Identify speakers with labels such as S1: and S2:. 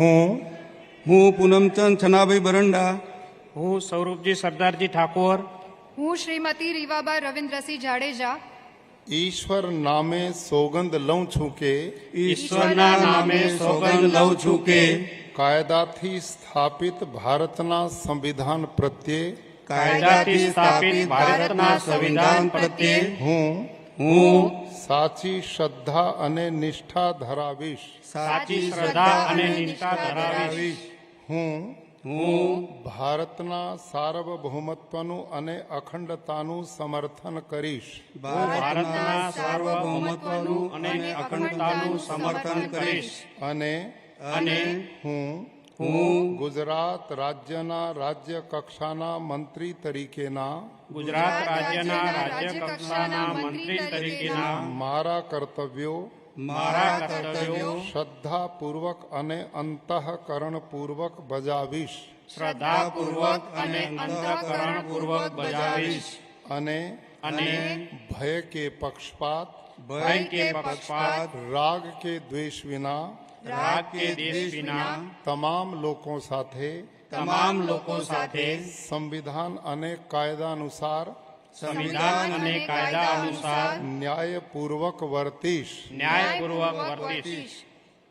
S1: હું પૂનમચંદ છનાભાઈ બરંડા,
S2: હું સ્વરૂપજી સરદારજી ઠાકોર,
S3: હું શ્રીમતી રીવાબા રવિન્દ્રસિંહ જાડેજા
S4: ઈશ્વર નામે સોગંદ લઉં છું કે
S1: ઈશ્વરના નામે સોગંદ લઉં છું કે
S4: કાયદાથી સ્થાપિત ભારતના સંવિધાન પ્રત્યે
S1: કાયદાથી સ્થાપિત ભારતના સંવિધાન પ્રત્યે હું
S4: સાચી શ્રદ્ધા અને નિષ્ઠા ધરાવીશ.
S1: સાચી
S2: શ્રદ્ધા અને નિષ્ઠા ધરાવીશ.
S4: હું
S1: હું
S4: ભારતના સાર્વભૌમત્વનું અને અખંડતાનું સમર્થન કરીશ.
S1: ભારતના સાર્વભૌમત્વનું અને અખંડતાનું સમર્થન કરીશ
S4: અને હું ગુજરાત રાજ્યના રાજ્ય કક્ષાના મંત્રી તરીકેના
S2: ગુજરાત રાજ્યના રાજ્ય કક્ષાના મંત્રી તરીકેના
S4: મારા કર્તવ્યો શ્રદ્ધાપૂર્વક અને અંતઃકરણપૂર્વક બજાવીશ.
S2: શ્રદ્ધાપૂર્વક અને અંતઃકરણપૂર્વક બજાવીશ.
S4: અને ભય કે પક્ષપાત રાગ કે દ્વેષ વિના તમામ લોકો સાથે સંવિધાન અને કાયદા અનુસાર ન્યાયપૂર્વક વર્તીશ.